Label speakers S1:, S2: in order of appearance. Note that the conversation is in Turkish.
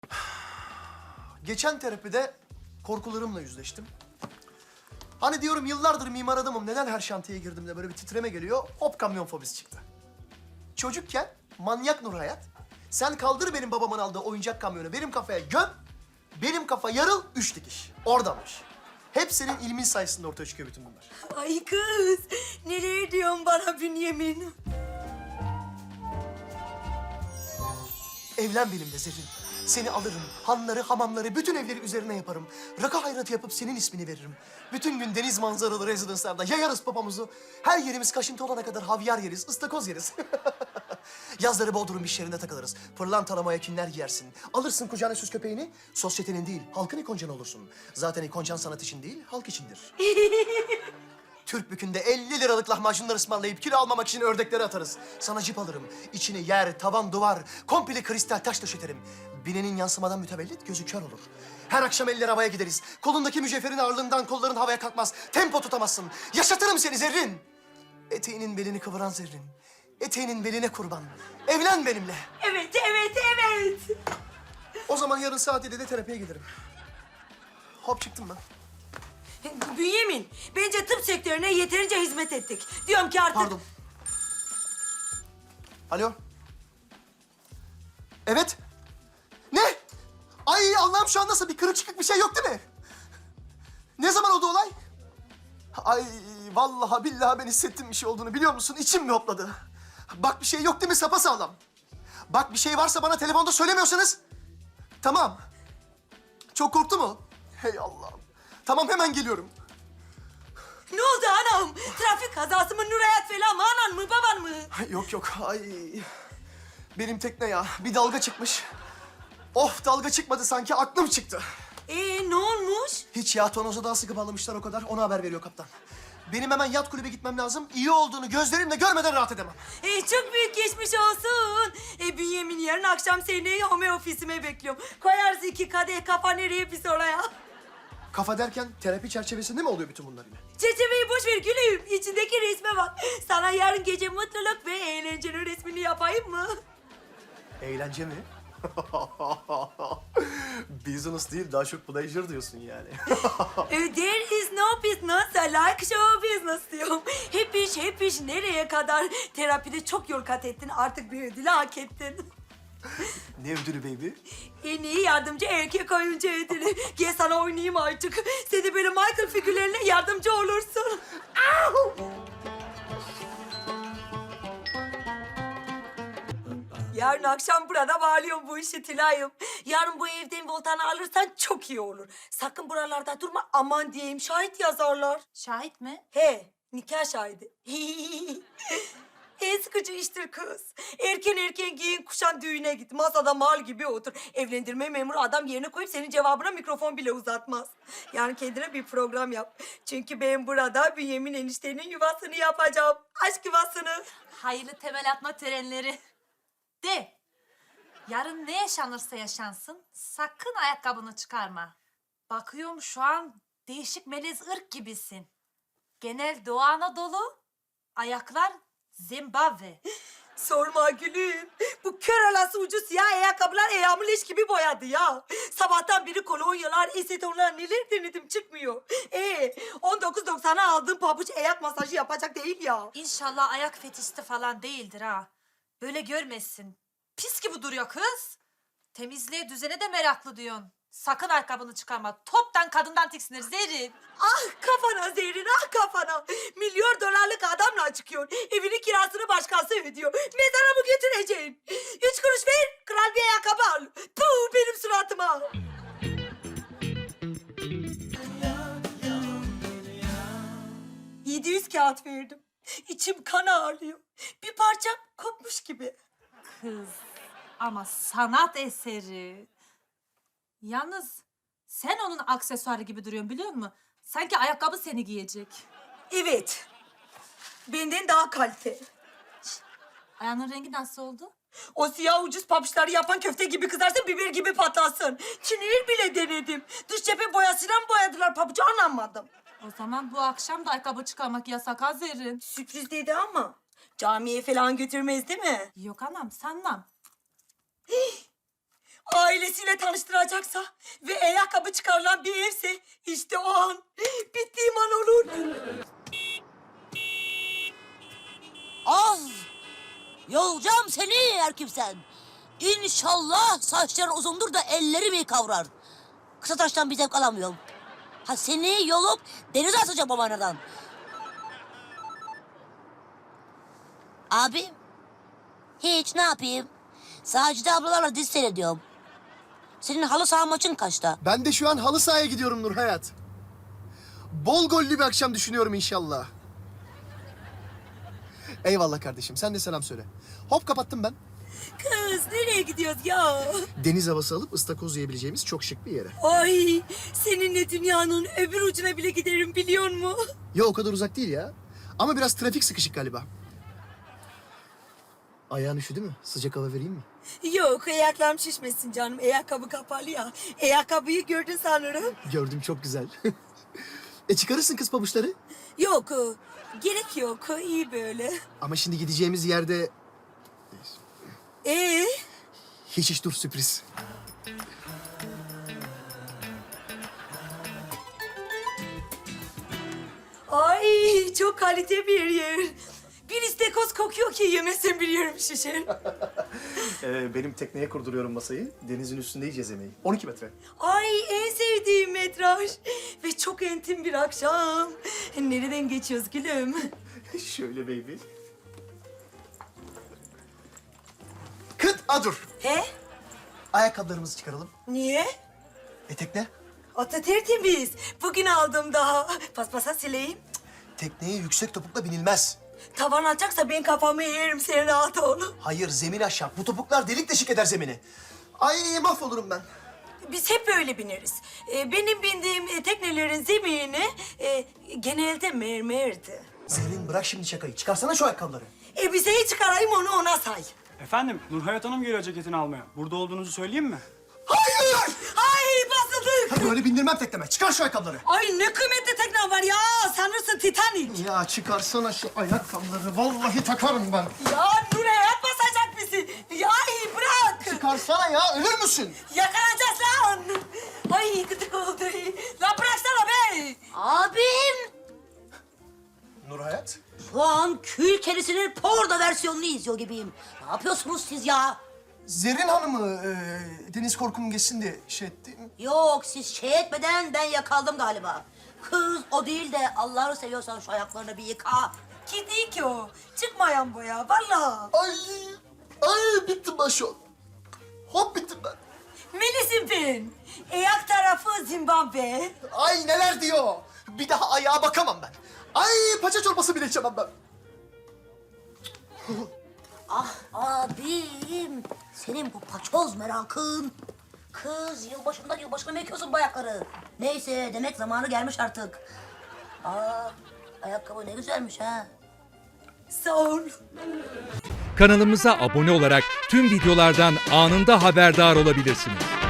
S1: Geçen terapide korkularımla yüzleştim. Hani diyorum yıllardır mimar adamım, neden her şantiyeye girdiğimde böyle bir titreme geliyor? Hop, kamyon fobisi çıktı. Çocukken manyak Nur Hayat, sen kaldır benim babamın aldığı oyuncak kamyonu benim kafaya göm, benim kafa yarıl, 3 dikiş. Oradanmış. Hep senin ilmin sayesinde ortaya çıkıyor bütün bunlar.
S2: Ay kız, nereye diyorsun bana Bünyamin?
S1: Evlen benimle Zerrin. Seni alırım, hanları, hamamları, bütün evleri üzerine yaparım. Rakı hayratı yapıp senin ismini veririm. Bütün gün deniz manzaralı rezidanslarda yayarız papamuzu. Her yerimiz kaşıntı olana kadar havyar yeriz, ıstakoz yeriz. Yazları Bodrum işlerinde takılırız. Pırlantalı mayakinler giyersin. Alırsın kucağına süs köpeğini, sosyetenin değil, halkın ikoncanı olursun. Zaten ikoncan sanat için değil, halk içindir. Türk Bükü'nde 50 liralık lahmacunlar ısmarlayıp kilo almamak için ördekleri atarız. Sana cip alırım. İçini yer, tavan, duvar, komple kristal taş döşeterim. Binenin yansımadan mütevellit, gözü kör olur. Her akşam eller havaya gideriz. Kolundaki mücevherin ağırlığından kolların havaya kalkmaz. Tempo tutamazsın. Yaşatırım seni Zerrin. Eteğinin belini kıvıran Zerrin. Eteğinin beline kurban. Evlen benimle.
S2: Evet, evet, evet.
S1: O zaman yarın saat 7'de terapiye gelirim. Hop, çıktım ben.
S2: Bünyamin, bence tıp sektörüne yeterince hizmet ettik. Diyorum ki artık...
S1: Pardon. Alo. Evet. Ne? Ay Allah'ım, şu an nasıl, bir kırık çıkık bir şey yok değil mi? Ne zaman oldu olay? Ay vallahi billahi ben hissettim bir şey olduğunu, biliyor musun? İçim mi hopladı? Bak, bir şey yok değil mi, sapasağlam? Bak, bir şey varsa bana telefonda söylemiyorsanız. Tamam. Çok korktu mu? Hey Allah'ım. Tamam, hemen geliyorum.
S2: Ne oldu anam? Trafik kazası mı, Nurayat falan mı, anan mı, baban mı?
S1: Yok yok, ay. Benim tekne ya, bir dalga çıkmış. Of, dalga çıkmadı sanki, aklım çıktı.
S2: Ne olmuş?
S1: Hiç ya, tonoza daha sıkı bağlamışlar o kadar, ona haber veriyor kaptan. Benim hemen yat kulübe gitmem lazım. İyi olduğunu gözlerimle görmeden rahat edemem.
S2: Çok büyük geçmiş olsun. Bünyamin, yarın akşam seni home ofisime bekliyorum. Koyarız 2 kadeh, kafa nereye pis oraya.
S1: Kafa derken terapi çerçevesinde mi oluyor bütün bunlar yine?
S2: Çerçeveyi boş ver gülüm. İçindeki resme bak. Sana yarın gece mutluluk ve eğlencenin resmini yapayım mı?
S1: Eğlence mi? Business değil, daha çok pleasure diyorsun yani.
S2: There is no business like show business diyorum. Hep iş nereye kadar? Terapide çok yol kat ettin. Artık bir ödülü hak ettin.
S1: Ne ödülü baby?
S2: En iyi yardımcı erkek oyuncu ödülü. Gel sana oynayayım artık. Sen de böyle Michael figürlerine yardımcı olursun. Yarın akşam burada bağlıyorum bu işi Tülay'ım. Yarın bu evden voltanı alırsan çok iyi olur. Sakın buralarda durma, aman diyeyim, şahit yazarlar.
S3: Şahit mi?
S2: He, nikah şahidi. En sıkıcı iştir kız. Erken giyin, kuşan, düğüne git. Masada mal gibi otur. Evlendirme memuru adam yerine koyup senin cevabına mikrofon bile uzatmaz. Yani kendine bir program yap. Çünkü ben burada Bünyamin eniştenin yuvasını yapacağım. Aşk yuvasını.
S3: Hayırlı temel atma törenleri. De. Yarın ne yaşanırsa yaşansın sakın ayakkabını çıkarma. Bakıyorum şu an değişik melez ırk gibisin. Genel Doğu Anadolu, ayaklar Zimbabwe.
S2: Sorma gülüm. Bu kör alası ucu siyah ayakkabılar ayağımı leş gibi boyadı ya. Sabahtan beri kolonyalar, esetonlar neler denedim, çıkmıyor. 19.90'a aldığım pabuç ayak masajı yapacak değil ya.
S3: İnşallah ayak fetişti falan değildir ha. Böyle görmezsin. Pis gibi duruyor kız. Temizliğe, düzene de meraklı diyorsun. Sakın ayakkabını çıkarma. Toptan kadından tiksinir Zerrin.
S2: Ah kafana Zerrin, ah kafana. Milyon dolarlık adamla çıkıyor. Evinin kirasını başkası ödüyor. Mezara mı götüreceksin? 3 kuruş ver, kral bir ayakkabı al. Puh, benim suratıma. 700 kağıt verdim. İçim kan ağrıyor. Bir parçam kopmuş gibi.
S3: Kız ama sanat eseri. Yalnız sen onun aksesuarı gibi duruyorsun biliyor musun? Sanki ayakkabı seni giyecek.
S2: Evet. Benden daha kalite.
S3: Ayağının rengi nasıl oldu?
S2: O siyah ucuz pabuçları yapan köfte gibi kızarsın, biber gibi patlasın. Çinil bile denedim. Dış cephe boyasıyla mı boyadılar pabucu, anlamadım.
S3: O zaman bu akşam da ayakkabı çıkarmak yasak ha Zerrin.
S2: Sürpriz dedi ama camiye falan götürmez değil mi?
S3: Yok anam sanmam.
S2: ailesiyle tanıştıracaksa ve ayakkabı çıkarılan bir evse işte o an bittiğim an olur.
S4: Az! Yolacağım seni erkimsen. İnşallah saçların uzundur da ellerimi kavrar. Kısa taştan bir zevk alamıyorum. Ha seni yolup denize atacağım babanadan. Abi, hiç ne yapayım? Sacide ablalarla dizi seyrediyorum. Senin halı saha maçın kaçta?
S1: Ben de şu an halı sahaya gidiyorum Nur Hayat. Bol gollü bir akşam düşünüyorum inşallah. Eyvallah kardeşim. Sen de selam söyle. Hop kapattım ben.
S2: Kız nereye gidiyoruz ya?
S1: Deniz havası alıp ıstakoz yiyebileceğimiz çok şık bir yere.
S2: Ay seninle dünyanın öbür ucuna bile giderim biliyor musun?
S1: Ya o kadar uzak değil ya. Ama biraz trafik sıkışık galiba. Ayağın üşüdü mü? Sıcak hava vereyim mi?
S2: Yok ayaklarım şişmesin canım. Ayakkabı kapalı ya. Ayakkabıyı gördün sanırım.
S1: Gördüm çok güzel. Çıkarırsın kız pabuçları.
S2: Yok gerek yok. İyi böyle.
S1: Ama şimdi gideceğimiz yerde...
S2: Ee?
S1: Hiç dur sürpriz.
S2: Ay çok kalite bir yer. Bir istekoz kokuyor ki yemesen bir yerim şişer.
S1: Benim tekneye kurduruyorum masayı. Denizin üstünde yiyeceğiz yemeği. 12 metre.
S2: Ay en sevdiğim metraj. Ve çok entim bir akşam. Nereden geçiyoruz gülüm?
S1: Şöyle baby. Kıt adur.
S2: He?
S1: Ayakkabılarımızı çıkaralım.
S2: Niye?
S1: Tekne.
S2: Ata tertemiz. Bugün aldım daha. Paspasa sileyim.
S1: Tekneye yüksek topukla binilmez.
S2: Tavan atacaksa ben kafamı yerim sen rahat ol.
S1: Hayır zemin aşağı. Bu topuklar delik deşik eder zemini. Ay mahvolurum ben.
S2: Biz hep böyle bineriz. Benim bindiğim teknelerin zemini genelde mermerdi.
S1: Zerrin bırak şimdi şakayı. Çıkarsana şu ayakkabıları.
S2: Bize çıkarayım onu ona say.
S5: Efendim, Nurhayat Hanım geliyor ceketini almaya. Burada olduğunuzu söyleyeyim mi?
S1: Hayır!
S2: Ay basıldık.
S1: Böyle bindirmem tekneme. Çıkar şu ayakkabıları.
S2: Ay ne kıymetli tekne var ya. Sanırsın Titanic.
S1: Ya çıkarsana şu ayakkabıları. Vallahi takarım ben.
S2: Ya Nurhayat basacak bizi. Ya ay bırak.
S1: Çıkarsana ya. Ölür müsün?
S2: Yakalanacağız lan. Ay gıdık oldu. Lan bıraksana be.
S4: Abim!
S1: Nur Hayat.
S4: Şu an kül kerisinin porno versiyonunu izliyor gibiyim. Ne yapıyorsunuz siz ya?
S1: Zerrin Hanım'ı deniz korkum geçsin diye şey ettim.
S4: Yok siz şey etmeden ben yakaldım galiba. Kız o değil de Allah'ını seviyorsan şu ayaklarını bir yıka.
S2: Ki değil ki o. Çıkmayan bu ya vallahi.
S1: Ay bittim ben şu an. Hop bittim ben.
S2: Melis'im ben. Ayak tarafı Zimbabwe.
S1: Ay neler diyor. Bir daha ayağa bakamam ben. Ay paça çorbası bile içemem ben.
S4: Ah abim, senin bu paçoz merakın. Kız yılbaşından yılbaşına mı ekiyorsun bu ayakları? Neyse demek zamanı gelmiş artık. Ayakkabı ne güzelmiş ha.
S2: Sağ ol.
S6: Kanalımıza abone olarak tüm videolardan anında haberdar olabilirsiniz.